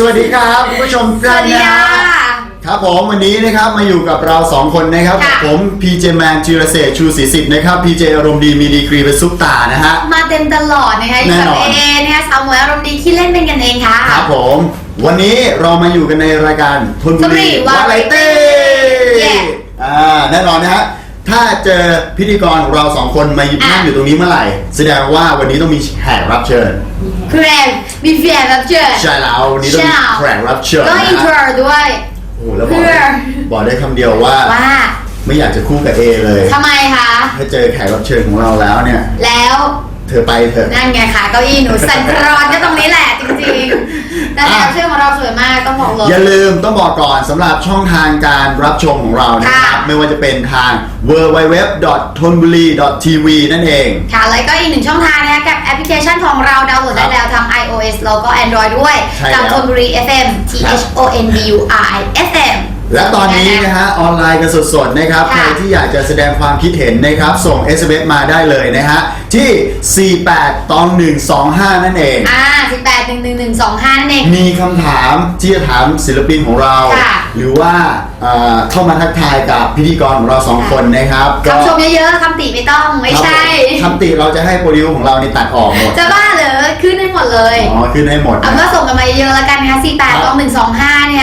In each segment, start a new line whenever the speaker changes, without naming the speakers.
วัสดีครับคุณผู้ชมทุกท่านนะครับผมวันนี้นะครับมาอยู่กับเรา2คนนะครับผมพีเจแมนจิรเศรษฐ์ชูศรีสิทธิ์นะครับพีเจอารมณ์ดีมีดีกรีเป็นซุปตานะฮะ
มาเต็มตลอดนะคะอยู่กับเอนะคะสาวหมวยอารมณ์ดีที่เล่นเป็นกันเองค่ะ
ครับผมวันนี้เรามาอยู่กันในรายการธนบุรีวาไรตี้แน่นอนนะฮะถ้าเจอพิธีกรของเรา2คนมานั่งอยู่ตรงนี้เมื่อไหร่แสดงว่าวันนี้ต้องมีแขกรับเชิญ
แขกมีแขกรับเชิญ
ใช่แล้ววันนี้ต้องมีแขกรับเชิญ
ก็อินเทอร์ด้วย
โอ้แล้วบอกได้คำเดียวว่าไม่อยากจะคู่กับเอเลย
ทำไมคะ
ถ้าเจอแขกรับเชิญของเราแล้วเนี่ย
แล้ว
เธอไปเถอะ
นั่นไงค่ะเก้าอี้หนูสั่นคลอนก็ตรงนี้แหละจริงๆแต่แขกรับเชิญของเราสวยมากต้องบอกเลย
อย่าลืมต้องบอกก่อนสำหรับช่องทางการรับชมของเรานะครับไม่ว่าจะเป็นทาง www.thonburi.tv นั่นเอง
ค่ะแล้วก็อีกหนึ่งช่องทางนะคะกับแอปพลิเคชันของเราดาวน์โหลดได้แล้วทาง iOS แล้วก็ Android ด้วยจากธนบุรี FM THONBURI FM
และตอนนี้นะฮะออนไลน์กันสดๆนะครับใครที่อยากจะแสดงความคิดเห็นนะครับส่ง SMS มาได้เลยนะฮะที่482125นั่นเอง
481125นั่นเอง
มีคำถามที่จะถามศิลปินของเราหรือว่าเข้ามาทักทายกับพิธีกรของเรา2คนนะครับ
คำชมเยอะๆคำติไม่ต้องไม่ใช่
คำติเราจะให้โปรดิวของเรานี่ตัดออกหมด
จะบ้าเหรอขึ้นให้หมดเลย
ขึ้นให้หมด
เอาก็ส่งกันมาเยอะๆแล้วกันนะคะ482125เนี่ย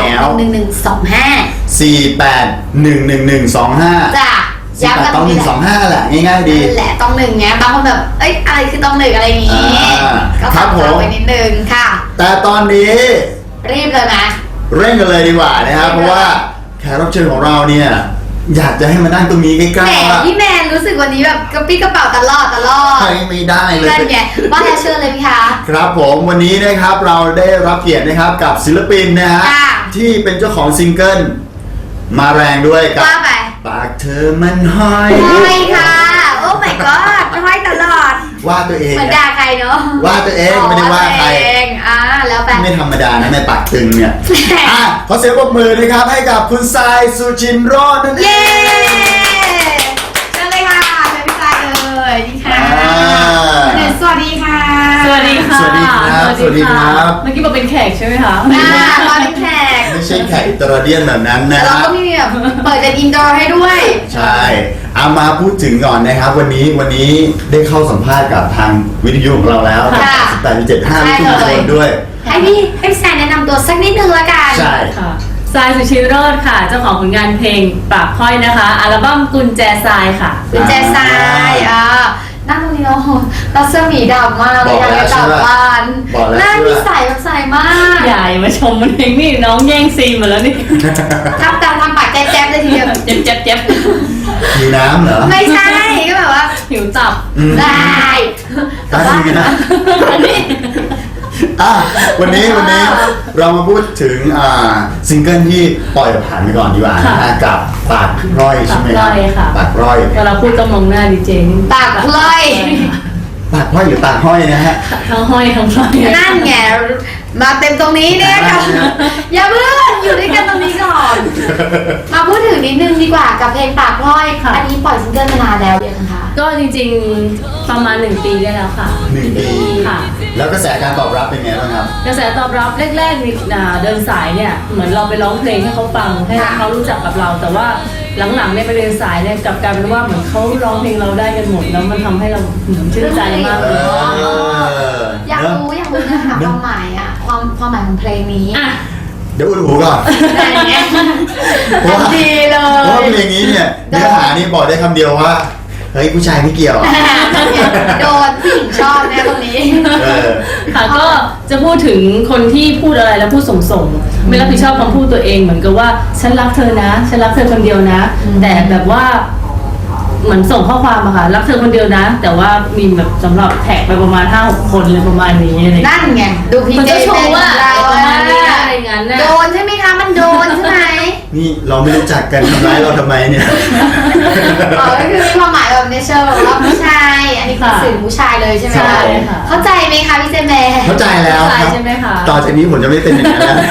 481125จ้ะ
ย้ำกันต้อง125แหละง่ายๆดี
แหละต้องหนึ่งไงบางคนแบบเอ้ยอะไรคือต้องหนึ่งอะไรอย่างงี้ก็ทักเราไปนิดนึงค่ะ
แต่ตอนนี้
รีบเลยนะ
เร่งกันเลยดีกว่านะครับเพราะว่าแขกรับเชิญของเราเนี่ยอยากจะให้มานั่งตรงนี้ใกล้ๆ
แหมพี่แมนรู้สึกวันนี้แบบกระปี้กระเป๋าตลอด
ไม่ได้เลย
นั่นไงว่าจะเชิญเลยพี่คะ
ครับผมวันนี้นะครับเราได้รับเกียรตินะครับกับศิลปินนะฮะที่เป็นเจ้าของซิงเกิลมาแรงด้วยกับปากเธอมันห้อย
ค่ะโอ้ my god ห้อยตลอด
ว่าตัวเอง
เหมือนด่าใครเนาะ
ว่าตัวเองไม่ได้ว่าใคร
แล้วไป
ไม่ธรรมดานะในปากตึงเนี่ยขอเสียงปรบมือนะครับให้กับคุณทรายสุจินโรจน์นั่นเอง
เชิญเลยค่ะเชิญพี่ทรายเลยนี่ค่ะสวัสดีค่ะ
สวัสดีค่ะ
สวัสดีครับสวัสดีครับ
เมื่อกี้มาเป็นแขกใช่ไหมคะ
มาเป็นแขก
ไม่ใช่แขกอิตาเลียนแบบนั้นนะ
เราก็มีแบบเปิดเป็นอินดอร์ให้ด้วย
ใช่เอามาพูดถึงก่อนนะครับวันนี้ได้เข้าสัมภาษณ์กับทางวิทยุของเราแล้ว18.75ทุกคนด้วย
ให้พี่แซนแนะนำตัวสักนิดนึงละกัน
ใช่
ค่ะทรายสุชิโรจน์ค่ะเจ้าของผลงานเพลงปากพ้อยนะคะอัลบั้มกุญแจทรายค่ะ
กุญแจทรายนั่งตรงนี้เนาะเราเสื้อหมีดำมากเลยอยากจะกลับบ้านหน้ามีใสแบบใสมาก
ใหญ่มาชมมันเองนี่น้องแย่งซีนมาแล้วนี่
ทำปากแจ๊บเลยทีเดียว
เจ็บ
หิวน้ำเหรอ
ไม่ใช่ก็แบบว่า
หิวตับ
ได้
แต่ว่าวันนี้เรามาพูดถึงซิงเกิลที่ปล่อยผ่านไปก่อนดีกว่ากับปากพร้อยใช่ไหมครับปากพร้อย
เวลาพูดต้องมองหน้าดีเจ
ปากพร้อย
ปากพร้อยหรือปากห้อยนะฮะ
ทั้งห้อยทั้งพร้อย
นั่นไงมาเต็มตรงนี้เนี่ยค่ะอย่าเพิ่งอยู่ด้วยกันตรงนี้ก่อนมาพูดถึงนิดนึงดีกว่ากับเพลงปากพร้อยอันนี้ปล่อยซิงเกิลมานานแล้วยังคะ
ก็จริงๆประมาณ1 ปีได้แล้วค่ะ
1 ปี
ค่ะ
แล้วกระแสการตอบรับเป็นไงบ้างครับ
กระแสตอบรับแรกๆเดินสายเนี่ยเหมือนเราไปร้องเพลงให้เขาฟังให้เขารู้จักกับเราแต่ว่าหลังๆเนี่ยไปเดินสายเนี่ยกลับกลายเป็นว่าเหมือนเขาร้องเพลงเราได้กันหมดแล้วมันทำให้เราชื่นใจมากเลย
อยากรู้นะคะความหมายความหมายของเพลงนี้
เดี๋ยวอุดหูก่อน
ดีเลย
เพราะเพลงนี้เนี่ยเนื้อหานี่บอกได้คำเดียวว่าเฮ้ยผู้ชายไม่เกี่ยว
โดนผู้หญิงชอบแน่ตรงนี้
ค่ะก็จะพูดถึงคนที่พูดอะไรแล้วพูดส่งไม่รับผิดชอบคำพูดตัวเองเหมือนกับว่าฉันรักเธอนะฉันรักเธอคนเดียวนะแต่แบบว่าเหมือนส่งข้อความอะค่ะรักเธอคนเดียวนะแต่ว่ามีแบบสำหรับแท็กไปประมาณ 5-6 คนเลยประมาณนี้
นั่นไงดูพี่เจ
ชมว่าประมาณนี้อะไรงั้น
โดนใช่ไหมคะมันโดนใช่ไหม
นี่เราไม่รู้จักกันทำร้ายเราทำไมเนี่ย
ก็คือมีความหมายแบบในเชิงว่าผู้ชายอันนี้คือสื่อผู้ชายเลยใช่ไหมคะเข้าใจไหมคะพี่เจแม่
เข้าใจแล้วครับต่อจากนี้ผมจะไม่เป็นอย่างนั้นแล้ว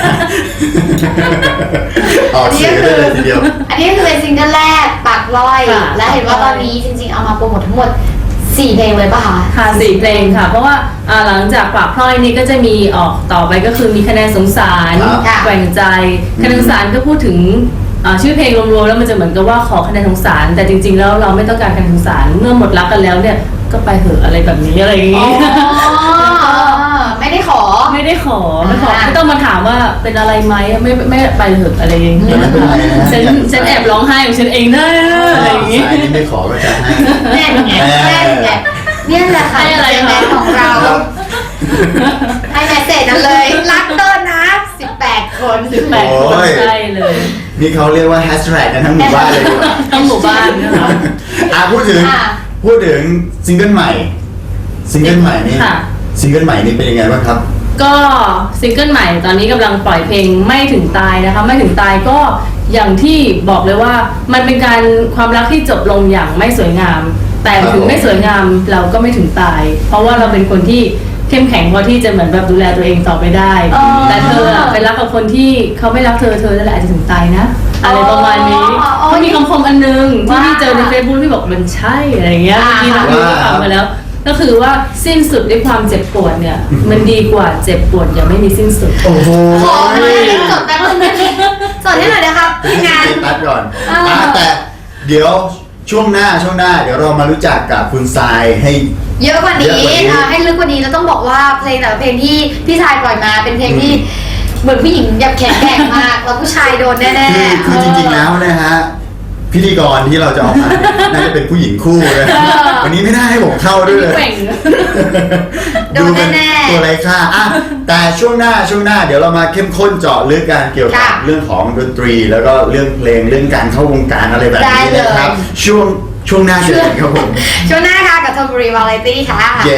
ออกเสียงเลยทีเดียว
อันนี้คือเป็นซิงเกิลแรกปากร้อยและเห็นว่าตอนนี้จริงๆเอามาโปรโมททั้งหมด 4 เพลงเลยป่ะคะ
ค่ะ4 เพลงค่ะ เพราะว่าหลังจากปากพลอยนี้ก็จะมีออกต่อไปก็คือมีคะแนนสงสาร
ครับ
แกว่งใจคะแนนสงสารก็พูดถึงชื่อเพลงรวมๆแล้วมันจะเหมือนกับว่าขอคะแนนสงสาร แต่จริงๆแล้วเราไม่ต้องการคะแนนสงสารเมื่อหมดรักกันแล้วเนี่ยก็ไปเหอะอะไรแบบนี้อะไรอย่าง
อ๋อ
นี้
ไม่ได้ขอ
ไม่ได้ขอไม่ต้องมาถามว่าเป็นอะไรไหมไม่ไปเหอะอะไรอย่างนี้
ไม่เป็นไรนะ
ฉันแอบร้องไห้ของฉันเองนะอะไรอย่างนี้
สายที่ไม่ขอก็จะให้
แน่นไงแน่นไงเนี่ยแหละค่ะ
ให้อะไร
แม
คะ
นของเรา ให้แมสเสจนั้นเลย รักเต้นนะ 18 คน
18 คนใช่เลย
นี่เขาเรียกว่าแฮชแท็กกันทั้งหมู่บ้านเลยดีกว่า
ทั้งหมู่บ้านนะคะ
พูดถึง
ค่ะ
ซิงเกิลใหม่ซิงเกิลใหม่นี่
ค่ะ
ซิงเกิลใหม่นี่เป็นยังไงบ้างครับ
ก็ซิงเกิลใหม่ตอนนี้กำลังปล่อยเพลงไม่ถึงตายนะคะไม่ถึงตายก็อย่างที่บอกเลยว่ามันเป็นการความรักที่จบลงอย่างไม่สวยงาม แต่ถึงไม่สวยงามเราก็ไม่ถึงตาย เพราะว่าเราเป็นคนที่เข้มแข็งพอที่จะเหมือนแบบดูแลตัวเองต่อไปได้
อ๋อ
แต่เธอไปรักกับคนที่เขาไม่รักเธอนั่นแหละอาจจะถึงตายนะอะไรประมาณนี้
อ๋อ
ก็มีคำคมอันนึงที่
ว่า
พี่เจอในเฟซบุ๊กที่บอกมันใช่อะไรอย่างเงี้ย
อ่า
เมื่อกี้น้องพี่ฟังมาแล้ว ก็คือว่าสิ้นสุดด้วยความเจ็บปวดเนี่ยมันดีกว่าเจ็บปวดอย่างไม่มีสิ้นสุด
โอ้โห
ขอมาเลยจดแป๊บนึงได้ไหมจดให้หน่อยนะครับทีมงาน
ตัดก่อน
อ่า
แต่เดี๋ยวช่วงหน้าเดี๋ยวเรามารู้จักกับคุณทรายให้
เยอะกว่านี้
เยอะกว่านี้
ให้ลึกกว่านี้แล้วต้องบอกว่าเพลงแต่ละเพลงที่พี่ชายปล่อยมาเป็นเพลงที่เหมือนผู้หญิงแบบแข็งแกร่งมากแล้วผู้ชายโดนแน่ๆ
คือจริงๆแล้วนะฮะพิธีกรที่เราจะออกมาเนี่ยน่าจะเป็นผู้หญิงคู่เลยวันนี้ไม่น่าให้ผมเข้าด้วยเลย
แกว่ง
โดนแน่ๆ
ตัวไรค่าอ่ะแต่ช่วงหน้าเดี๋ยวเรามาเข้มข้นเจาะลึกกันเกี่ยวกับ
ค่ะ
เรื่องของดนตรี แล้วก็เรื่องเพลงเรื่องการเข้าวงการอะไรแบบ
ได้
นี้
เลย
นะครับ ช่วงหน้าเจอกันครับผม
ช่วงหน้าค่ะกับธนบุรีวาไรตี้ค่ะ
เย้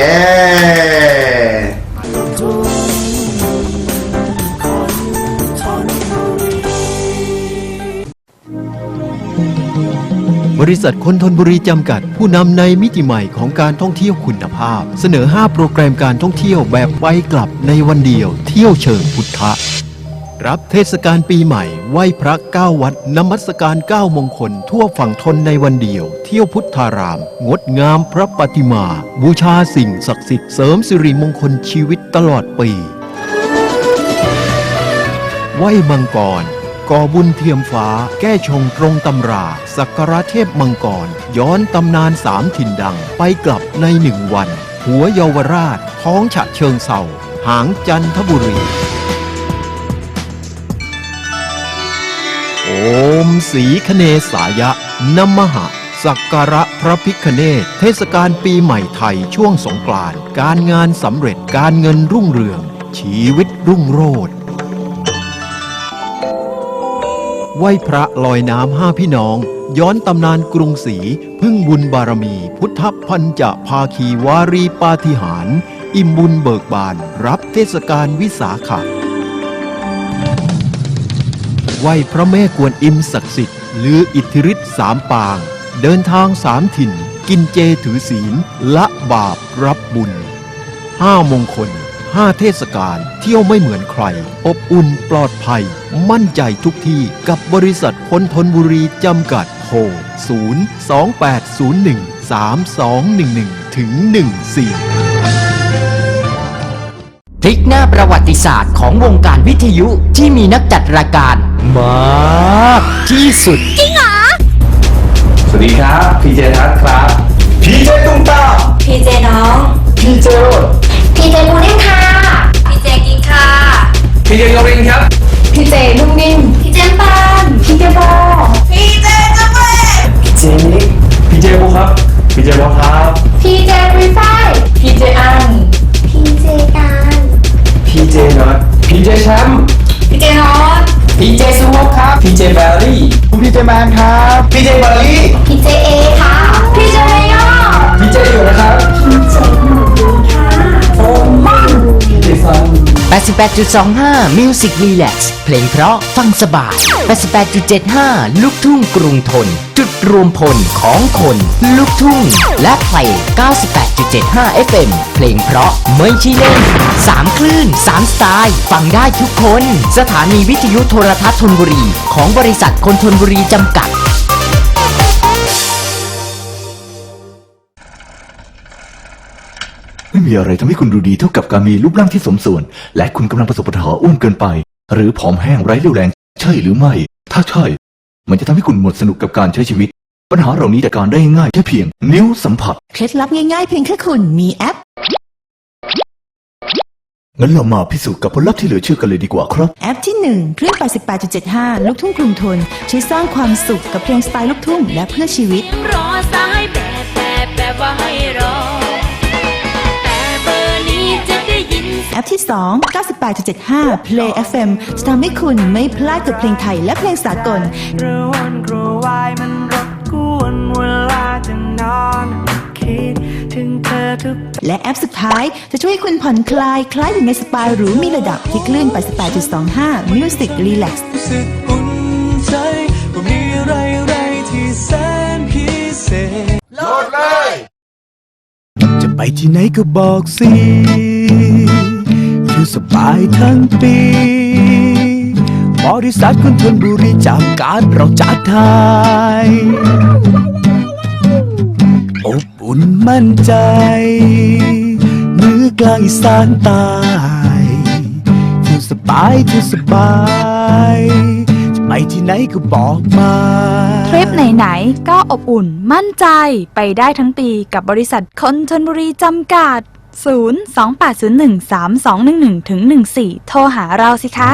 บริษัทคนทนบุรีจำกัดผู้นำในมิติใหม่ของการท่องเที่ยวคุณภาพ เสนอ 5 โปรแกรมการท่องเที่ยวแบบไปกลับในวันเดียวเที่ยวเชิงพุทธะ รับเทศกาลปีใหม่ไหว้พระ9 วัดนมัสการ9 มงคลทั่วฝั่งทนในวันเดียว เที่ยวพุทธาราม งดงามพระปฏิมา บูชาสิ่งศักดิ์สิทธิ์เสริมสิริมงคลชีวิตตลอดปีไหว้มังกรก่อบุญเทียมฟ้าแก้ชงตรงตำรา สักการะเทพมังกร ย้อนตำนาน3 ถิ่นดังไปกลับใน1 วัน หัวเยาวราช ท้องฉะเชิงเศร้าหางจันทบุรี โอมสีคเนสายะนมหะ สักการะพระพิฆเนศเทศกาลปีใหม่ไทยช่วงสงกรานต์การงานสำเร็จการเงินรุ่งเรือง ชีวิตรุ่งโรจน์ไหว้พระลอยน้ำ5 พี่น้อง ย้อนตำนานกรุงศรีพึ่งบุญบารมี พุทธพันจะภาคีวารีปาฏิหาริย์อิ่มบุญเบิกบานรับเทศกาลวิสาขะไหว้พระแม่กวนอิมศักดิ์สิทธิ์ลืออิทธิฤทธิ์3 ปาง เดินทาง 3 ถิ่น กินเจถือศีลละบาปรับบุญ 5 มงคล 5 เทศกาลเที่ยวไม่เหมือนใคร อบอุ่นปลอดภัย มั่นใจทุกที่กับบริษัทคนทนบุรีจำกัดโทร 028013211ถึง14
พลิกหน้าประวัติศาสตร์ของวงการวิทยุที่มีนักจัดรายการมากที่สุด
สวัสดีครับพีเจทัศน์ครับพีเจตุ้มตาม
พีเจน้อง
พีเจโรด
พีเจมูนิ่งค่ะ
พีเจกินค่ะ
พีเจกรินครับ
พีเจนุ่มนิ่มพีเจปานพีเจโบ
พีเจกาแฟ
พีเจนิกพีเจโบครับพีเจโบครับ
พีเจรีไฟ
พีเจอัง
พีเจการ
พีเจน็อตพีเจแชมป์
พีเจนอต
พีเจสวอปครับพีเจแบลลี่พีเจแมนครับพีเจบอลลี่
พีเจเอค่ะพีเจเมยอ
พีเจอยู่นะครับพีเจโฟมันพีเจซัน
88.25 Music Relax เพลงเพราะฟังสบาย 88.75 ลูกทุ่งกรุงทน จุดรวมพลของคนลูกทุ่ง และเพลง 98.75 FM เพลงเพราะไม่ใช่เล่น 3 คลื่น 3 สไตล์ ฟังได้ทุกคน สถานีวิทยุโทรทัศน์ธนบุรี ของบริษัทคนทนบุรีจำกัด
มีอะไรทำให้คุณดูดีเท่ากับการมีรูปร่างที่สมส่วน และคุณกำลังประสบปัญหาอ้วนเกินไป หรือผอมแห้งไร้เรี่ยวแรงใช่หรือไม่ ถ้าใช่ มันจะทำให้คุณหมดสนุกกับการใช้ชีวิต ปัญหาเหล่านี้จัดการได้ง่ายแค่เพียงนิ้วสัมผัส
เคล็ดลับง่ายๆเพียงแค่คุณมีแอป
งั้นเรามาพิสูจน์กับผลลัพธ์ที่เหลือเชื่อกันเลยดีกว่าครับ
แอปที่ 1 คลื่น 88.75 ลูกทุ่งกรุงทนช่วยสร้างความสุขกับเพลงสไตล์ลูกทุ่งและเพื่อชีวิต
รอสายแบบว่าให้รอ แต่เบอร์นี้จะได้ยิน
แอปที่ 2 98.75 Play FM จะทำให้คุณไม่พลาดกับเพลงไทยและเพลงสากล
กระวนกระวายมันรบกวนเวลาจะนอนคิดถึงเธอทุก
และแอปสุดท้ายจะช่วยให้คุณผ่อนคลายคล้ายอยู่ในสปาหรูมีระดับที่คลื่น 88.25 Music Relax
รู้สึกอุ่นใจว่ามีอะไรที่แสนพิเศษ
จะไปที่ไหนก็บอกสิอยู่สบายทั้งปีบริษัทคนทนบุรีจำกัดเราจัดไทยอบอุ่นมั่นใจเหนือกลางอีสานใต้อยู่สบายจะไปที่ไหนก็บอกมา
ทริปไหนๆก็อบอุ่นมั่นใจไปได้ทั้งปีกับบริษัทคนชลบุรีจำกัด 028013211-14 โทรหาเราสิคะ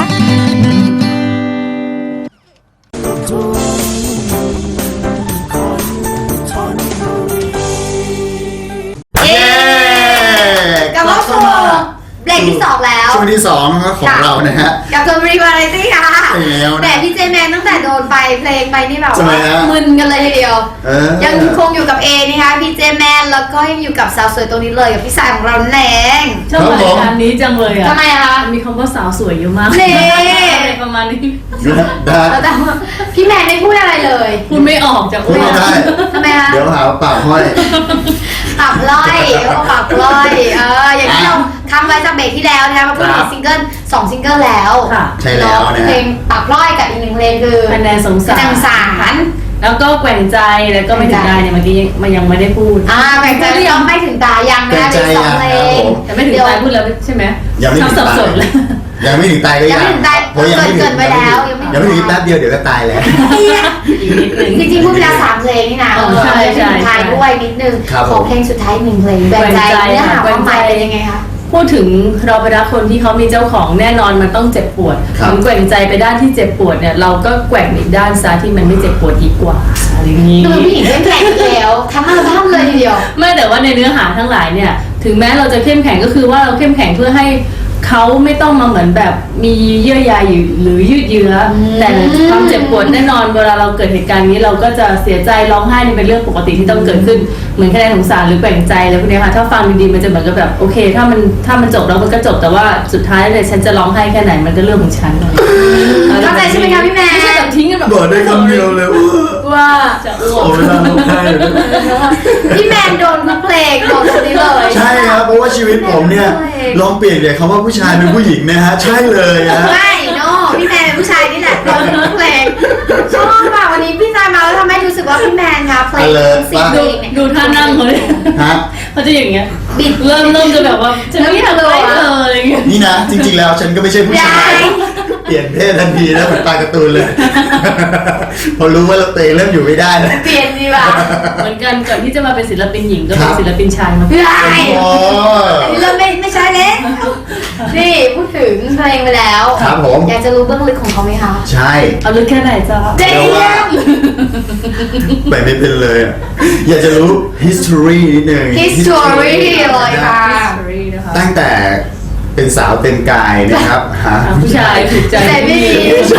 เย้กลับมาสู่เบรกที่ 2 แล้ว
ช่วงที่ 2 ของเรานะฮะ
กับชลบุรีวาไรตี้ค่ะ
ใช่แล้วนะ
แต่พี่เจแมนตั้งแต่โดนไปเพลงไปนี่แบบ
ทำไม
ว่า
ฮะ
มึนกันเลยทีเดียว ยังคงอยู่กับเอนะคะพี่เจแมนแล้วก็ยังอยู่กับสาวสวยตัวนี้เลยกับพี่สายของเราแนง
ชอบรายการนี้จังเลยอ่ะ
ทำไมอะคะ
มีคำว่าสาวสวยเยอะมาก
เน่
อะไรประมาณนี้
แต่ว่าพี่แมนไม่พูดอะไรเลย
พูดไม่ออกจาก
พูดไม่ได้
ทำไมคะ
เดี๋ยวหาว่าปากห้อย
ตับล่อยตับล่อยอย่างที่เราทำไว้จากเบรกที่แล้วนะคะมาพูดถึงซิงเกิล2 ซิงเกิลแล้ว
ค่ะ
ใช่แล้วนะฮะ
เพลงตับล่อยกับอีก1 เพลงคือ
คะแนนสงสาร
จังสาร
แล้วก็แกว่งใจแล้วก็ไม่ถึงได้เนี่ยเมื่อกี้มันยังไม่ได้พูด
แบ่งใจยังไม่ถึงตายังนะ
แบ่งใจ
มี2 เพล
ยังครับ
ง
ผม
แต่ไม่ถึงตายพูดแล้วใช่ไหม
ยังไม่ถึง
สับ
ตาย
สนเลย
ยังไม่ถึงตายก็
ยังไม่ถึงตาย
เพราะยังไม่ถึง
เกินไปแล้ว
ยังไม่ถึงแป๊บเดียวเดี๋ยวก็ตายแล้ว
อีกนิดนึง
จริงๆพูดไปแล้ว3 เพลงนี่นะ
ใช่
เพลงสุดท้ายด้วยนิดนึง
ครับ
ขอเพลงสุดท้าย1 เพลงแบ่งใจ
แบ่งใจ
เนื้อหา
ค่ะ
ความหมาย
แบ่งใจ
เป็นยังไงคะ
พูดถึงเราไปรักคนที่เขามีเจ้าของแน่นอนมันต้องเจ็บปวด
ครับ
มันแกว่งใจไปด้านที่เจ็บปวดเนี่ยเราก็แกว่งอีกด้านซะที่มันไม่เจ็บปวดดีกว่าอะไรอย่างนี้
ดูเป็นผู้หญิงเข้มแข็งอีกแล้วทั้งอัลบั้มเลยทีเดียว
ไม่แต่ว่าในเนื้อหาทั้งหลายเนี่ยถึงแม้เราจะเข้มแข็งก็คือว่าเราเข้มแข็งเพื่อให้เขาไม่ต้องมาเหมือนแบบมีเยื่อใยหรือยืดเยื้ออแต่ความเจ็บปวดแน่นอนเวลาเราเกิดเหตุการณ์นี้เราก็จะเสียใจร้องไห้นี่เป็นเรื่องปกติที่ต้องเกิดขึ้นเหมือนแค่สงสารหรือแกว่งใจอะไรพวกนี้ค่ะถ้าฟังดีๆมันจะเหมือนกับแบบโอเคถ้ามันจบแล้วมันก็จบแต่ว่าสุดท้ายเลยฉันจะร้องไห้แค่ไหนมันก็เรื่องของฉัน
เข้าใจใช่ไหมคะพี่แม่
ไม่ใช่แบบทิ้งกันแบบ
บอกได้คำเดียวเลยว่า
ว่า
จะอ้ว
โอ้
ก
เวลาเราได้เลย
พี่แมนโดนทุกเพลงโดนคนนี้เลย
ใช่ครับเพราะว่าชีวิตผมเนี่ยลองเปลี่ยนจากคำว่าผู้ชายเป็นผู้หญิงนะฮะใช่เลยฮะ
ไม่โน่พี่แมนเป็นผู้ชายนี่แหละโดนทุกเพลงชอบว่ะวันนี้พี่ชายมาแล้วทำให้รู้สึกว่าพี่แมนคะเพลงสิ่งเพลงเนี่ย
ดูท่านั่งเขาเลย
ฮะ
เขาจะอย่างเงี้ย
บิด
เริ่มจะแบบว่าฉันไม่ทำอะไรเธออะไรเงี้ย
นี่นะจริงๆแล้วฉันก็ไม่ใช่ผู้ชายเปลี่ยนเพศทันทีนะเหมือนปลาการ์ตูนเลย พอรู้ว่าเราเตะเริ่มอยู่ไม่ได้แล้ว
เปลี่ยนดีว่ะ
เหมือนกันก่อนที่จะมาเป็นศิลปินหญิงก็
ครั
เป็น
บ
ศิลปินชายมา
ไม่ได้
โอ้
อันนี้เริ่มไม่ใช่แล้วนี่พูดถึงเพลงไปแล้ว
ครับผม
อยากจะรู้เบื้องลึกของเขาไหมคะ
ใช่
เอาลึกแค่ไหนจ๊ะ
เจ๊
เดี๋ยวว่าไปไม่เป็นเลยอะอยากจะรู้ history นิดนึง
history เลยค่ะ
นะคะ
ตั้งแต่เป็นสาวเต็มกายนะครับฮะ
ผู้ชายถูกใจ
แต่ไม่ดี
ใช่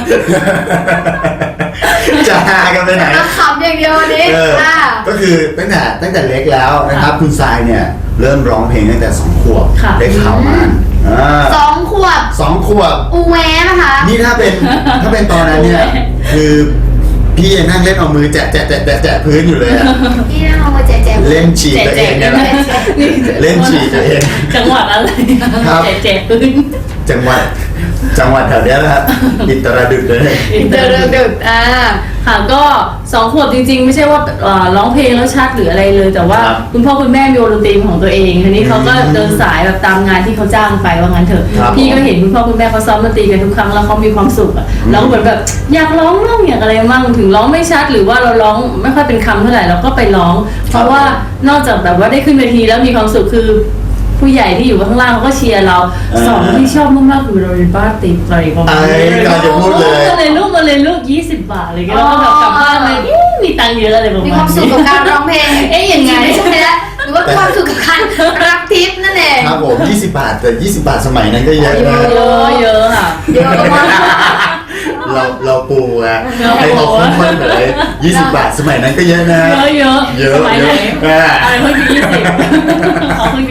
จะหากันไปไหน
มาขำอย่างเดียววันนี้ ค่ะ
ก็คือตั้งแต่เล็กแล้วนะครับ คุณทรายเนี่ยเริ่มร้องเพลงตั้งแต่2 ขวบ
ค่ะ
ได้ข่าวมา
2 ขวบ
2 ขวบ
อูแวะนะคะ
นี่ถ้าเป็นตอนนั้นเนี่ยคือพี่ยังนั่งเล่นเอามือแจะพื้นอยู่เลยอะ
พี่นั่งเอามาแจกๆ
เล่นฉีกตัวเองเนี่ยแหละเล่นฉีกตัวเอง
จังหวัดอะไร
ครับ
แจกปืน
จังหวัดจังหวัดแถวเนี้ยนะครับอิตรดุษเลย
อินเตอร์ดึก
ค่ะก็2 ขวบจริงๆ ไม่ใช่ว่าร้องเพลงแล้วชัดหรืออะไรเลย แต่ว่า
ครับ
คุณพ่อคุณแม่มีวงดนตรีของตัวเองทีนี้เขาก็เดินสายแบบตามงานที่เขาจ้างไปว่างั้นเถอะ
ครับ
พี่ก็เห็นคุณพ่อคุณแม่เขาซ้อมดนตรีกันทุกครั้งแล้วเขามีความสุขอะเราก็เหมือนแบบอยากร้องมั่งอยากอะไรมั่งถึงร้องไม่ชัดหรือว่าเราร้องไม่ค่อยเป็นคำเท่าไหร่เราก็ไปร้อง เพราะว่านอกจากแบบว่าได้ขึ้นเวทีแล้วมีความสุขคือผู้ใหญ่ที่อยู่ข้างล่างเขาก็เชียร์เราสองที่ชอบมากๆคือเราเรียนบ้านติดอะไรประมาณนี้
กำลังจะพูดเลย
มาเลยลูก20 บาทอะไรเงี้ยแล้วก็แบบกลับบ้านเลยมีตังค์เยอะอะไรประมาณ
มี
นี้
ความสุขกับการร้องเพลง
ยังไง
ไม่ใช่แล้วหรือว่าความสุขกับการรับทิปนั่นเอง
ครับผม20 บาทแต่20 บาทสมัยนั้นก็เยอะนะ
เยอะค่ะ
เยอะมาก
เราปูอะให้เขาคุ้มค่าเลย20 บาทสมัยนั้นก็เยอะนะ
เยอะ
เยอะ
สมัยไหน
อ่า
อะไรเพิ่งจะ20เขาเพิ่งจะ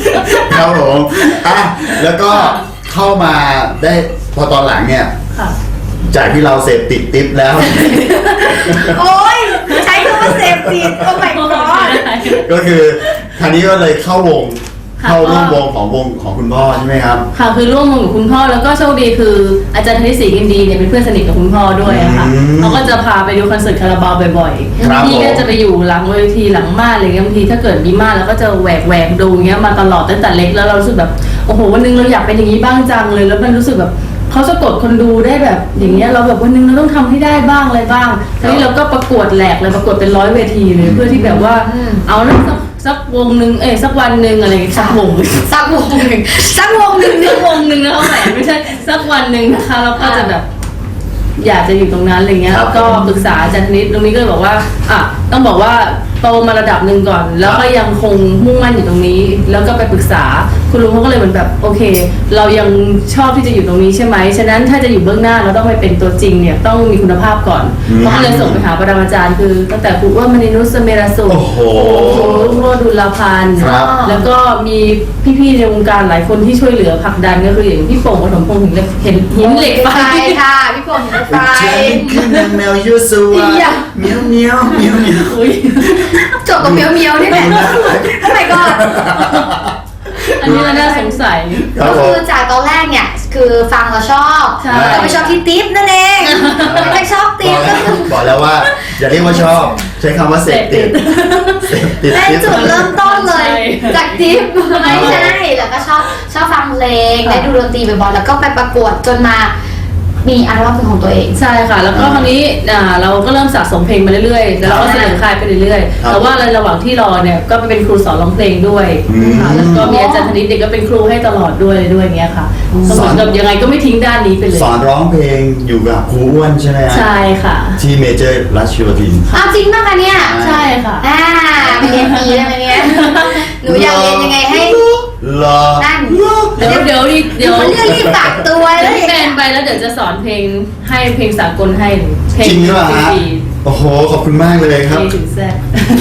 20
ครับผมอ่ะแล้วก็เข้ามาได้พอตอนหลังเนี่ย
ค่ะ
จากที่เราเสพติดติ๊บแล้ว
โอ้ยใช้คำว่าเสพติดโอ้ my god
ก็คือคราวนี้ก็เลยเข้าวง
ค่ะ
เข้าร่วมวงของคุณพ่อใช่ไหมครับ
ค่ะคือร่วมวงกับคุณพ่อแล้วก็โชคดีคืออาจารย์ธนิตศรีกินดีเนี่ยเป็นเพื่อนสนิทกับคุณพ่อด้วยอะค่ะ
อืม
เขาก็จะพาไปดูคอนเสิร์ตคาราบาวบ่อย
ครับ
ๆพี่ก็
ผม
จะไปอยู่หลังเวทีหลังม่านอะไรเงี้ยบางทีถ้าเกิดมีม่านแล้วก็จะแหวกดูเงี้ยมาตลอดตั้งแต่เล็กแล้วเรารู้สึกแบบโอ้โหวันนึงเราอยากเป็นอย่างนี้บ้างจังเลยแล้วมันรู้สึกแบบเขาสะกดคนดูได้แบบอย่างเงี้ยเราแบบวันนึงเราต้องทำให้ได้บ้างอะไรบ้างทีนี้เราก็ประกวดแหลกเลยประกวดเป็น100 เวทีเลยเพื่อที่แบบว่าเอานะสักวงหนึ่งสักวันหนึ่งอะไรอย่างเงี้ยสักวง
สักวงหนึ่งสักวงหนึ่ง
สักวงหนึ่งนะคะแหมไม่ใช่สักวันหนึ่งนะคะแล้วก็จะแบบอยากจะอยู่ตรงนั้นอะไรเงี้ย
ครับ
ก็ปรึกษาอาจารย์ธนิตตรงนี้ก็เลยบอกว่าต้องบอกว่าโตมาระดับหนึ่งก่อน แล้วก็ยังคงมุ่งมั่นอยู่ตรงนี้ แล้วก็ไปปรึกษาคุณลุงเขาก็เลยเหมือนแบบโอเค เรายังชอบที่จะอยู่ตรงนี้ใช่ไหมฉะนั้นถ้าจะอยู่เบื้องหน้าเราต้องไปเป็นตัวจริงเนี่ยต้องมีคุณภาพก่อนเขาก็เลยส่งไปหาปรมาจารย์คือตั้งแต่ครูว่ามณีนุชเสเมรสุ
โอ้โห
ครูรุ่งโรจน์ดุลพันธ์
ครับ
แล้วก็มีพี่ๆในวงการหลายคนที่ช่วยเหลือผลักดันก็คืออย่างพี่โป่งปฐมพงษ์เห็นหินเหล็กไฟ
ค่ะพี่ฝนหินเหล็กไฟ
เจนขึ้นนางแมวยูสู
อี
อะ
หยะ
เมียวเมียวเมียวเมียว
อุ๊ย
จบกับเมียวเมียวนี่แหละโอ้ my god
อันนี้เราน่าสงสัย
ครั
ก็
บผ
คื
ม
อจากตอนแรกเนี่ยคือฟังแล้วชอบ
ใช่
แต่ไม่ชอบที่ติ๊บนั่นเองไม่ชอบติ๊บก็คือ
บอกแล้วว่าอย่าเรียกว่าชอบ ใช้คำว่าเสพติดเสพติด
เป็น
ติ๊บ
จุดเริ่มต้นเลย
ใช่
จากทิปไม่ใช่แล้วก็ชอบฟังเพลงได้ดูดนตรีบ่อยๆแล้วก็ไปประกวดจนมามีอัลบั้มเป็นของตัวเอง
ใช่ค่ะ แล้วก็คราวนี้เราก็เริ่มสะสมเพลงมาเรื่อยๆ แล้วเราก็เสนอค่ายไปเรื่อยๆ แต่ว่าในระหว่างที่รอเนี่ยก็ไปเป็นครูสอนร้องเพลงด้วยค่ะแล้วก็มีอาจารย์ธนิตเด็กก็เป็นครูให้ตลอดด้วยอย่างเงี้ยค่ะก็เหมือนกับยังไงก็ไม่ทิ้งด้านนี้ไปเลย
สอนร้องเพลงอยู่กับครูอ้วนใช่ไหมฮะ
ใช่ค่ะ
ที่เมเจอร์รัชโยธิน
อ้าวจริงป่ะคะเนี่ย
ใช่ค่ะ
ไปเรียนดีได้ไหมเนี่ยหนูอยากเรียนยังไงให้
รอ
นั่น
เดี๋ยว
มันเรื่องรีบฝากตัว
เดี๋
แล้
ยว
ว
พี่แบนไปแล้วเดี๋ยวจะสอนเพลงให้เพลงสากลให้เพลง
จริงหรือเปล่าฮะ
ฟรี
โอ้โห ขอบคุณมากเลย
ๆ
ครับ
เพลงถึงแซ่บ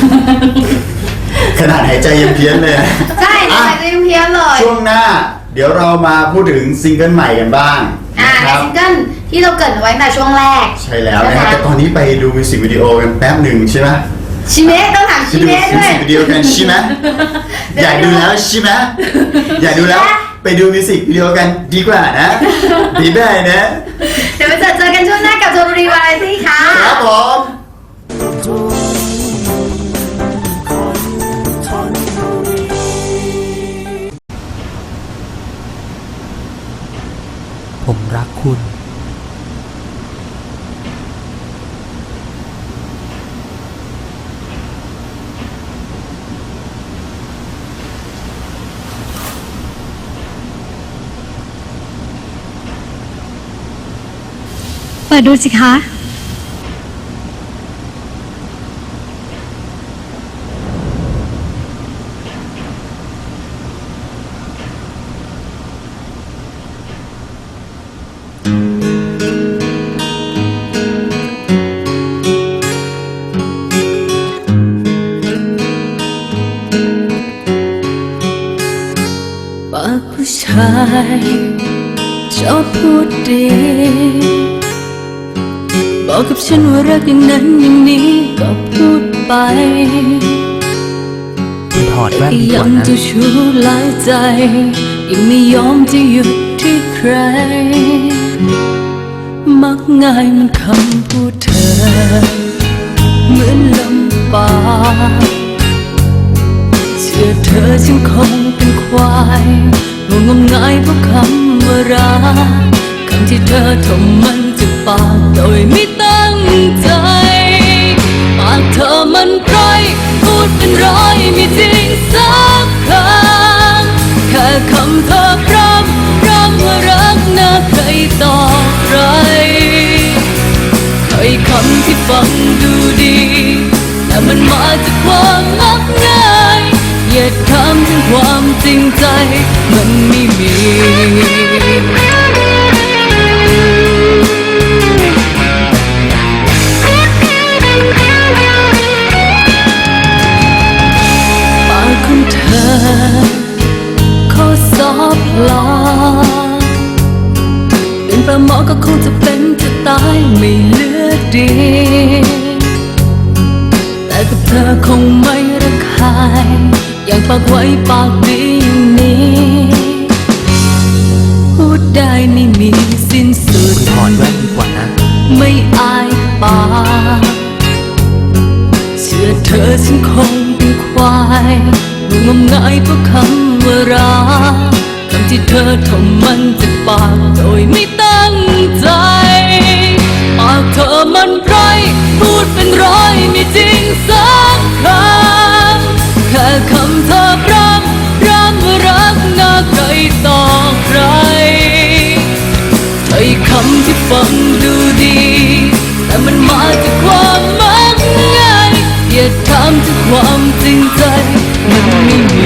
ขนาดหายใจยังเพี้ยนเลย
ใช่หนูอยากเรียนเพี้ยนเลย
ช่วงหน้า เดี๋ยวเรามาพูดถึงซิงเกิลใหม่กันบ้าง
ใน
นะครับ
ซิงเกิลที่เราเกริดเอาไว้ตั้งแต่ช่วงแรก
ใช่แล้วนะครับแต่ตอนนี้ไปดูมิวสิกวิดีโอกันแป๊บหนึ่งใช่ไหม
ชิเมะต้องถาม
ไป
ชิ
ดู
เมะ
มิว
ด้วย
สิกวิดีโอกันใช่ไหมอยากดูแล้วใช่ไหมอยากดูแล้วไปดูมิวสิกวิดีโอกันดีกว่านะดีได้นะ
เดี๋ยวไปเจอกันช่วงหน้ากับโจมรีวาไรตี้ค่ะ
ครับผม
ผมรักคุณ
เปิดดูสิคะ
ปากผู้ชายชอบพูดดีบอกกับฉันว่ารักอย่างนั้นอย่างนี้ก็พูดไป
ถอดแว่นดีก
ยั
ว่าง นะ
จะชู้หลายใจยังไม่ยอมจะหยุด
ที่ใครมักง่ายมันคำพูดเธอเหมือนลมปากเชื่อเธอฉันคงเป็นควายงมงายเพราะคำว่ารักคำที่เธอทำมันจากปากโดยไม่ตั้งใจปากเธอมันพร่อยพูดเป็นร้อยไม่จริงสักคำแค่คำเธอพร่ำว่ารักน่าใครต่อใครถ้อยคำที่ฟังดูดีแต่มันมาจากความมักง่ายเหยียดคำถึงความจริงใจมันไม่มีปากของเธอข้อสอบลาเป็นปลาหมอก็คงจะเป็นจะตายไม่เหลือดีแต่กับเธอคงไม่ระคายอย่างปากไว้ปากดีอย่างนี้พูดได้ไม่มีสิ้นสุดถอนแว่นดีกว่านะไม่อายปากเชื่อเธอฉันคงเป็นควายงมงายเพราะคำว่ารักคำที่เธอทำมันจากปากโดยไม่ตั้งใจปากเธอมันพร่อยพูดเป็นร้อยไม่จริงสักคำแค่คำเธอพร่ำว่ารักน่าใครต่อใครถ้อยคำที่ฟังดูดีแต่มันมาจากความมักง่ายอย่าถามถึงความจริงใจมันไม่มี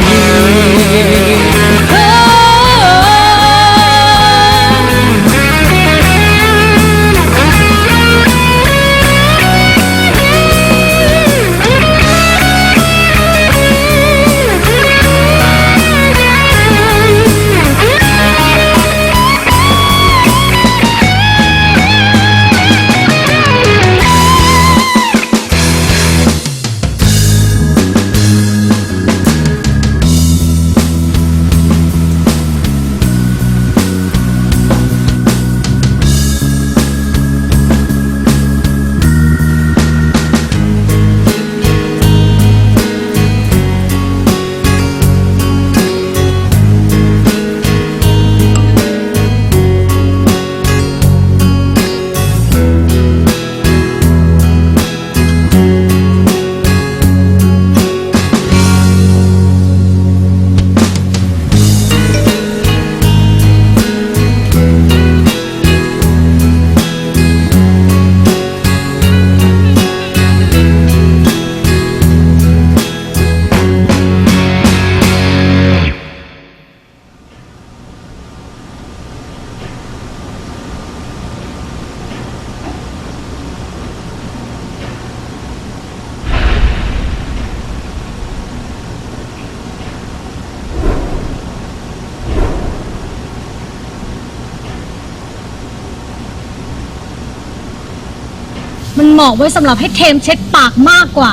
มันเหมาะไว้สำหรับให้เทมเช็ดปากมากกว่า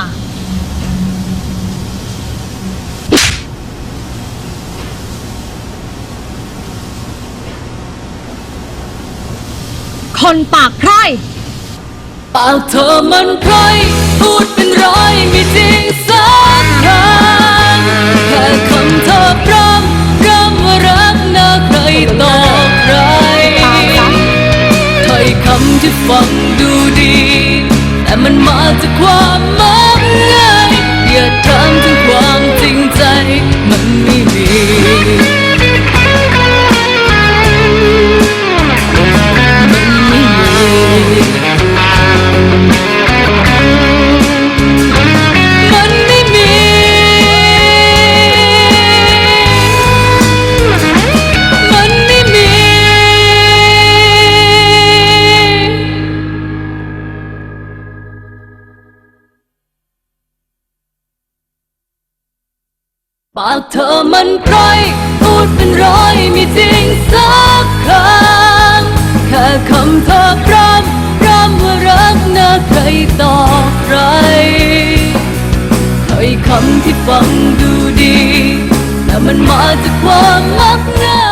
คนปากพร่อย
ปากเธอมันพร่อยพูดเป็นร้อยไม่จริงสักคำแค่คำเธอพร่ำว่ารักน่าใครต่อใครถ้อยคำที่ฟังดูดีแต่มันมาจากความมักง่ายอย่าถามถึงความจริงใจมันไม่มีปากเธอมันพร่อยพูดเป็นร้อยไม่จริงสักคำแค่คำเธอพร่ำว่ารักน่าใครต่อใครถ้อยคำที่ฟังดูดีแต่มันมาจากความมักง่าย